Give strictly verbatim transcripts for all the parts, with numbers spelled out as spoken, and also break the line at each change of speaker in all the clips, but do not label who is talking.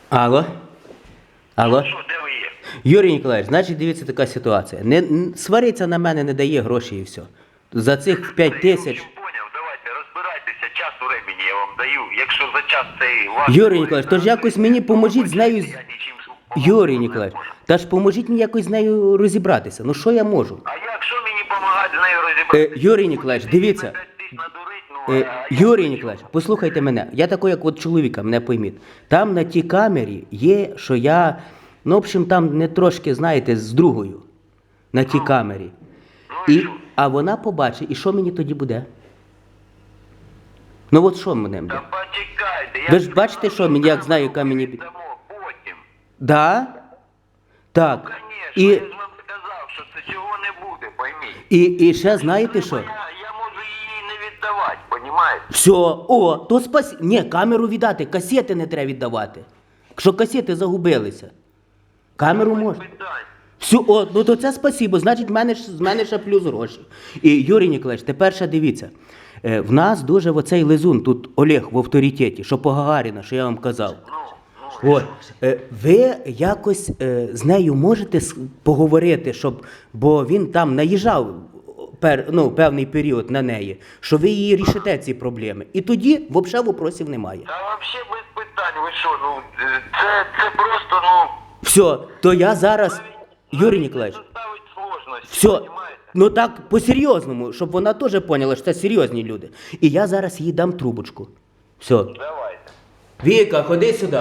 Алло? Алло?
Що, де ви є?
Юрій Ніколаєвич, значить, дивіться, така ситуація. Не, н- свариться на мене, не дає гроші і все. За цих п'ять тисяч...
Я в общем поняв, давайте розбирайтеся, час у ремені я вам даю. Якщо за час цей ваш...
Юрій Ніколаєвич, то ж якось мені поможіть з нею... з-
Я нічим допомогти
Юрій
не
Ніколаєвич,
можу.
та ж поможіть мені якось з нею розібратися. Ну що я можу?
А якщо мені допомагати з нею розібратися?
Е, Юрій Ніколаєвич, дивіться. Е, Юрій Ніколаєвич, послухайте мене. Я такий, як от чоловіка, мене пойміть. Там на тій камері є, що я, ну, в общем, там не трошки, знаєте, з другою. На тій камері. І, а вона побачить, і що мені тоді буде? Ну от що мене буде?
Та почекайте. я
Ви ж бачите, що мені, як знаю, яка мені...
дамо потім.
Да? Так.
Звісно,
І,
я ж вам сказав, що це цього не буде, пойміть.
і, і ще знаєте що?
Я, я можу її не віддавати, понімаєте?
Все, о, то спасі... Ні, камеру віддати, касети не треба віддавати. Якщо касети загубилися. Камеру можна.
Питань.
Все, о, ну то це спасибо, значить, в мене, ж- з мене ще плюс гроші. І, Юрій Ніколаєвич, тепер ще дивіться. Е, в нас дуже оцей лизун, тут Олег в авторитеті, що по Гагаріна, що я вам казав.
Ну, ну,
От, е, ви якось е, з нею можете с- поговорити, щоб, бо він там наїжджав пер, ну, певний період на неї, що ви її рішите ці проблеми. І тоді взагалі вопросів немає.
та взагалі без питань, ви що, ну, е, це, це просто, ну...
Все, то я зараз, Юрій Ніколаєвич,
Доставить сложності,
все,
понімаєте?
ну так по-серйозному, щоб вона теж поняла, що це серйозні люди. І я зараз їй дам трубочку. Все.
Давайте.
Віка, ходи сюди.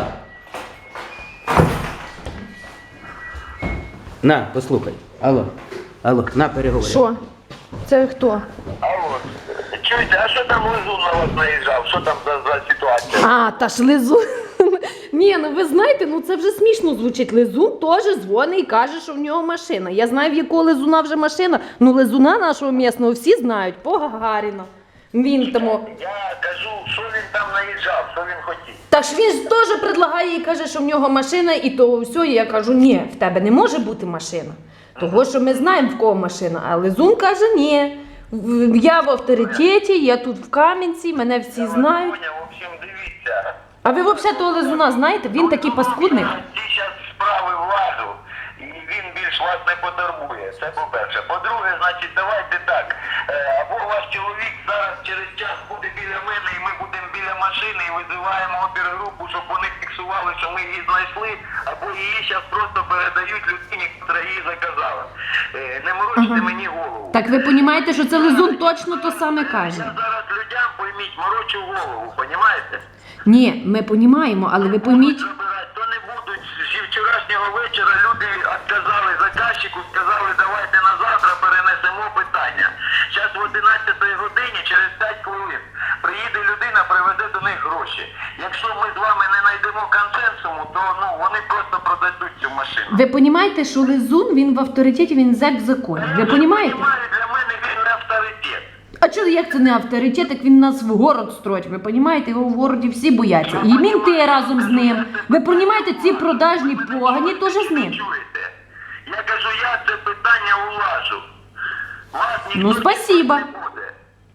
На, послухай. Алло, алло, на, переговори.
Що? Це хто?
Алло, чуєте, а що там Лизун на вас наїжджав? Що там за, за ситуація?
А, та ж Лизун. Ні, ну ви знаєте, ну це вже смішно звучить. Лизун теж дзвонить і каже, що в нього машина. Я знаю, в якого Лизуна вже машина. Ну Лизуна нашого місного всі знають, по Гагаріна. Він тому.
Я кажу, що він там наїжджав, що він хотів.
Та ж він ж теж предлагає і каже, що в нього машина, і то все. І я кажу, ні, в тебе не може бути машина. Того, що ми знаємо, в кого машина. А Лизун каже, ні. В- Я в авторитеті, я тут в Кам'янці, мене всі знають.
Поняв, в общем, дивіться.
А ви взагалі того Лизуна знаєте? Він такий паскудник.
Ці зараз справи владу, і він більш вас не потурбує. Це по-перше. По-друге, значить, давайте так. Е, Або ваш чоловік зараз через час буде біля мене, і ми будемо біля машини, і визиваємо опергрупу, щоб вони фіксували, що ми її знайшли, або її зараз просто передають людині, яка її заказала. Е, Не морочте мені голову.
Так ви розумієте, що це Лизун точно то саме каже?
Я зараз людям, пойміть, морочу голову, понімаєте?
Ні, ми розуміємо, але ви пойміть.
Забирати, то не будуть. Зі вчорашнього вечора люди відказали заказчику, сказали, давайте на завтра перенесемо питання. Зараз в одинадцятій годині, через п'ять хвилин, приїде людина, приведе до них гроші. Якщо ми з вами не знайдемо консенсуму, то ну, вони просто продадуть цю машину.
Ви розумієте, що Лизун, він в авторитеті, він зек в законі. Ви розумієте?
Для мене він не авторитет.
А чого, як це не авторитет, як він нас в город строїть? Ви розумієте, його в городі всі бояться. І мінти разом з ним. Ви розумієте, ці продажні погані теж з ним.
Чуєте? Я кажу, я це питання улажу. Вас ніхто
Ну, спасибо.
не буде.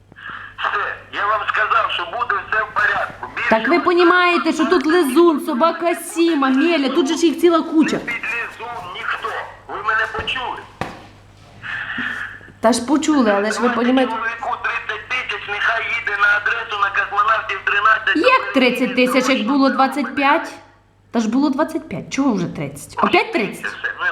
Все, я вам сказав, що буде все в порядку. Більше
Так ви розумієте, що тут Лизун, собака Сіма, Меля, тут же ж їх ціла куча.
під лізун ніхто. Ви мене почули?
Та ж почули, але ж ви
Давайте
розумієте.
чоловіку тридцять тисяч, нехай їде на адресу на космонавтів тринадцять.
Як тридцять тисяч, як було двадцять п'ять? Та ж було двадцять п'ять, чого вже тридцять? Опять тридцять?
Все, ну